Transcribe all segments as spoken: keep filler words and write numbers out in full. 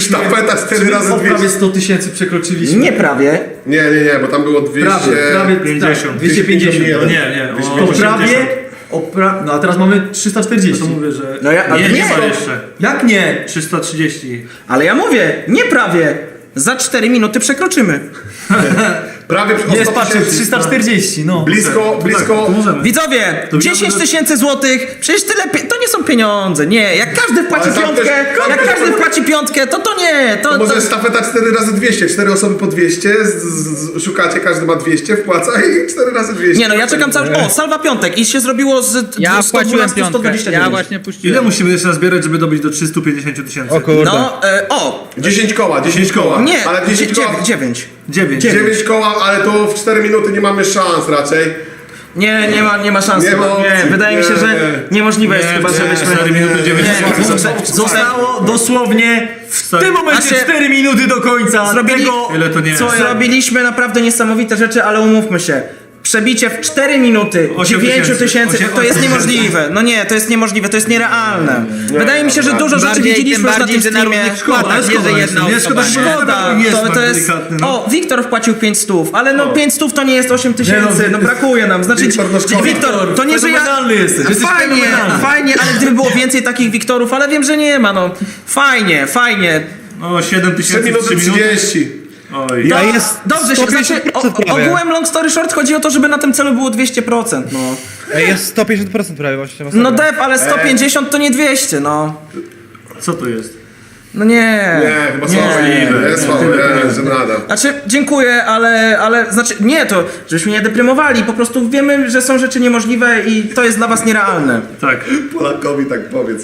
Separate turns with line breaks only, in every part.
Sztafeta cztery razy
O prawie
dwieście.
sto tysięcy przekroczyliśmy.
Nie prawie.
Nie, nie, nie, bo tam było dwieście...
Prawie, prawie
pięćdziesiąt.
tak, dwieście pięćdziesiąt.
No nie, nie.
To
O,
prawie, o pra... no a teraz mamy trzysta czterdzieści.
to mówię, że...
No ja- ale
nie,
nie.
nie ma jeszcze.
Jak nie?
trzysta trzydzieści.
Ale ja mówię, nie prawie. Za cztery minuty przekroczymy.
Prawie o
Jest,
sto
patrzę,
tysięcy.
trzysta czterdzieści, no.
Blisko, blisko...
To możemy.
Widzowie,
To
dziesięć
wiemy,
tysięcy złotych, przecież tyle, pie- to nie są pieniądze, nie, jak każdy wpłaci
Ale tam
piątkę,
też-
jak każdy wpłaci piątkę, to to nie, to,
To
to...
może sztafeta cztery razy dwieście, cztery osoby po dwieście, z, z, szukacie, każdy ma dwieście, wpłaca i cztery razy dwieście.
Nie no, ja czekam cały... O, salwa piątek i się zrobiło z
Ja
sto
wpłaciłem
dwanaście, sto
piątkę,
dwadzieścia
ja
dziewięć.
właśnie puściłem.
Ile musimy jeszcze zbierać, żeby dobić do trzystu pięćdziesięciu tysięcy?
O kurde.
No, e, o,
dziesięć koła, dziesięć koła.
nie,
Ale dziesięć koła,
dziewięć.
dziewięć.
dziewięć koła, ale to w cztery minuty nie mamy szans raczej.
Nie, nie ma, nie ma szans
Nie
chyba.
ma
Nie,
opcji.
wydaje mi się,
Nie,
że
nie.
niemożliwe jest
Nie,
chyba,
nie,
żebyśmy...
cztery minuty, dziewięć
Nie,
sekund.
nie,
Zostało dosłownie w tym momencie
A się-
cztery minuty do końca
Zrobili-
tego,
Ile to nie
co
jest?
ja...
Zrobiliśmy naprawdę niesamowite rzeczy, ale umówmy się. Przebicie w cztery minuty
Osiem
dziewięć
tysięcy.
tysięcy,
Osiem-
to jest
osiem
niemożliwe. No nie, to jest niemożliwe, to jest nierealne. Wydaje mi się, że dużo rzeczy
Bardziej, tym
widzieliśmy już na
bardziej,
tym
że na
streamie.
równych składach, nie, że jedna
nie,
osoba.
szkoda, że
Szkoda,
nie jest
to, to jest...
delikatny, no.
O, Wiktor wpłacił pięć stów, ale no pięć stów to nie jest osiem
Nie
tysięcy,
no,
no brakuje nam. Znaczy,
Wiktor, no szkoda.
Wiktor, to nie, że ja...
Fenomenalny jesteś, jesteś
Fajnie,
fenomenalny.
fajnie, ale gdyby było więcej takich Wiktorów, ale wiem, że nie ma, no. Fajnie, fajnie.
No, siedem
trzy
tysięcy,
minuty
trzy minuty.
trzydzieści.
Oj.
Ja
To-
jest
Dobrze, się, znaczy, o, ogółem long story short chodzi o to, żeby na tym celu było dwieście procent, no.
Ej, jest sto pięćdziesiąt procent prawie właśnie.
No dep, ale sto pięćdziesiąt to nie dwieście, no.
Co to jest?
No nie.
Nie, chyba
nie.
słabo. Jest słabo, nie, że nada.
Znaczy, dziękuję, ale, ale, znaczy, nie, to, żebyśmy nie deprymowali, po prostu wiemy, że są rzeczy niemożliwe i to jest dla was nierealne.
Tak.
Polakowi tak powiedz.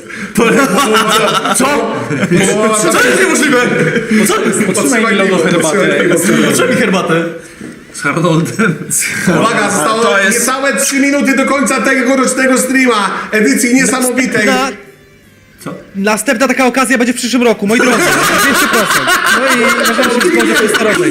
Co?
Co
Co jest niemożliwe? No co jest? Potrzymaj mi logo herbatę. Potrzymaj mi herbatę.
Z Haroldem.
Uwaga, zostało
to jest-
niecałe trzy minuty do końca tegorocznego streama. Edycji niesamowitej.
Na...
Co?
Następna taka okazja będzie w przyszłym roku, moi drodzy. dwieście procent. No i możemy się spodziewać tej starowej.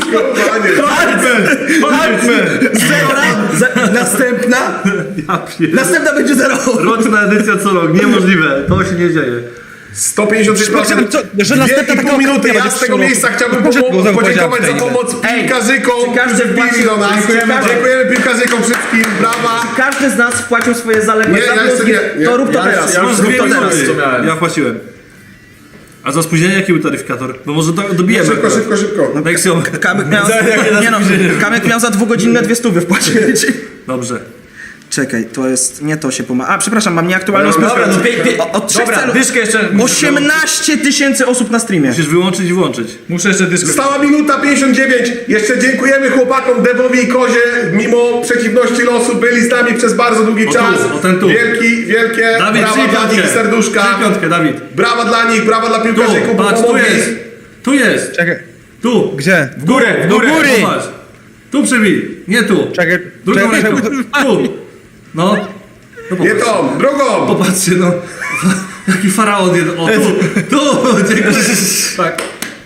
Następna?
Ja pier...
Następna będzie zero.
Roczna edycja co rok. Niemożliwe. To się nie dzieje.
sto pięćdziesiąt sześć procent.
Co- że następna taka
minuty.
okazja
Ja
będzie
z
w
tego
przyszłym
miejsca
roku.
chciałbym
Proszę,
pomo-
znowu
podziękować za
powiedziałem
pomoc
Ej,
piłkarzykom,
czy każdy
którzy wbili
wpłacił-
do nas.
Dziękujemy bardzo.
Dziękujemy piłkarzykom wszystkim. Brawa.
Każdy z nas wpłacił swoje zaległe
Nie, ja
zawiązki,
jeszcze nie, nie.
to rób to
Ja
teraz.
jeszcze- ja już
Rób
dwie
to teraz.
minuty. co miałem.
Ja wpłaciłem. A za spóźnienie jaki był taryfikator? Bo może do, dobijemy.
Szybko, szybko, szybko.
Nexium.
Kamyk miał, nie no, Kamyk miał za dwugodzinne dwie stówy wpłacić.
Dobrze.
Czekaj, to jest, nie to się pomaga. A, przepraszam, mam nieaktualną
Dobra,
sprawę.
no, pie- pie-
O- Od trzech
Dobra,
celów.
dyszkę jeszcze...
osiemnaście tysięcy osób na streamie.
Musisz wyłączyć i włączyć.
Muszę jeszcze dyszkę...
Została minuta pięćdziesiąt dziewięć. Jeszcze dziękujemy chłopakom Devowi i Kozie. Mimo przeciwności losu byli z nami przez bardzo długi
O tu,
czas.
o ten tu.
Wielki, wielkie
Dawid,
brawa
przyjdź
dla
piątkę.
nich, serduszka.
Przyjdź piątkę, Dawid.
Brawa dla nich, brawa dla
Tu,
piłkarzyków, bo
patrz, tu
pomogli.
jest. Tu jest.
Czekaj,
Tu.
gdzie?
W górę, w
Do
górę.
góry. Popatrz. Tu przybij. Nie tu.
Czekaj,
Drugą
czekaj,
ręką.
czekaj.
Tu. No. No
Nie
popatrz.
tą, drugą.
Popatrzcie, no. Jaki faraon jeden. O, tu. Tu. Dziękuję. Tak.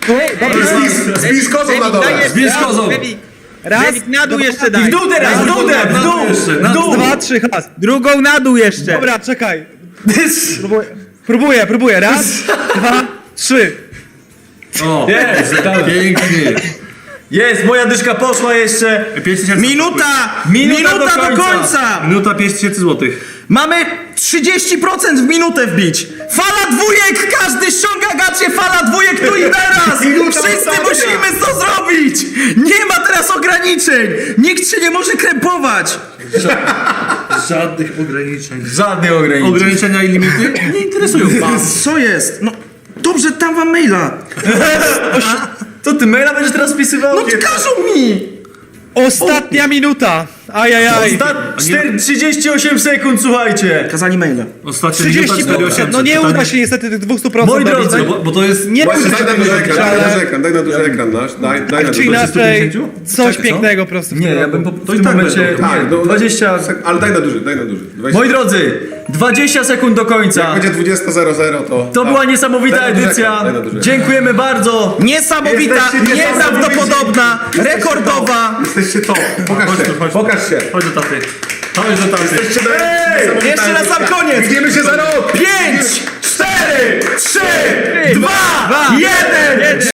Z Piskozą na dole.
Zbierz kozą.
Raz,
Na dół
dwa,
jeszcze
I
daj.
w dół teraz, w dół,
Na
w
dół
dół,
jeszcze, na
w dół.
dwa, trzy, has.
Drugą na dół jeszcze.
Dobra, czekaj. Próbuję, próbuję, próbuję. Raz, dwa, trzy.
O.
Jest,
Pięknie.
Jest, moja dyszka poszła jeszcze.
pięć tysięcy.
Minuta!
Minuta
Minuta
do
do
końca.
końca!
Minuta pięć tysięcy złotych.
Mamy trzydzieści procent w minutę wbić! Fala dwójek! Każdy ściąga gacie! Fala dwójek tu i teraz!
Minuta
Wszyscy
ostatnia.
musimy to zrobić! Nie ma teraz ograniczeń! Nikt się nie może krępować!
Żadnych ograniczeń.
Żadnych ograniczeń.
Ograniczenia i limity nie interesują was.
Co jest? No dobrze, dam wam maila!
Co, ty maila będziesz teraz wpisywał?
No każą mi!
Ostatnia minuta. Ajajaj.
Ostat... cztery- trzydzieści osiem sekund, słuchajcie.
Kazali maila.
Ostatnia minuta
trzydzieści
cztery tysiące
procent. No nie
osiemset.
uda się niestety tych dwieście procent.
Moi drodzy,
No bo, bo to jest...
Nie
Właśnie,
uda
daj
się
na duży ekran, daj na
ale-
duży ekran, daj na duży ekran nasz. Daj, daj na
Czy
duży
inaczej coś
Co?
pięknego po prostu w
Nie,
tym
ja
roku.
bym po,
To
w
i
tym
tak
momencie...
będą.
Tak,
nie,
no,
dwadzieścia...
Ale daj na duży, daj na duży. dwadzieścia
Moi drodzy, dwadzieścia sekund do końca.
Jak będzie dwadzieścia zero zero, to...
To była niesamowita
Daj na duży
edycja.
ekran, daj na duży ekran.
Dziękujemy bardzo.
Niesamowita,
Jesteście
nieprawdopodobna, rekordowa!
Jesteście to. Pokaż się, pokaż się.
Chodź do taty. Chodź do taty.
Jesteście
Ej,
niesamowita
jeszcze na sam
edycja.
koniec.
Widzimy się za rok.
Pięć, cztery,
cztery, trzy, dwa, jeden.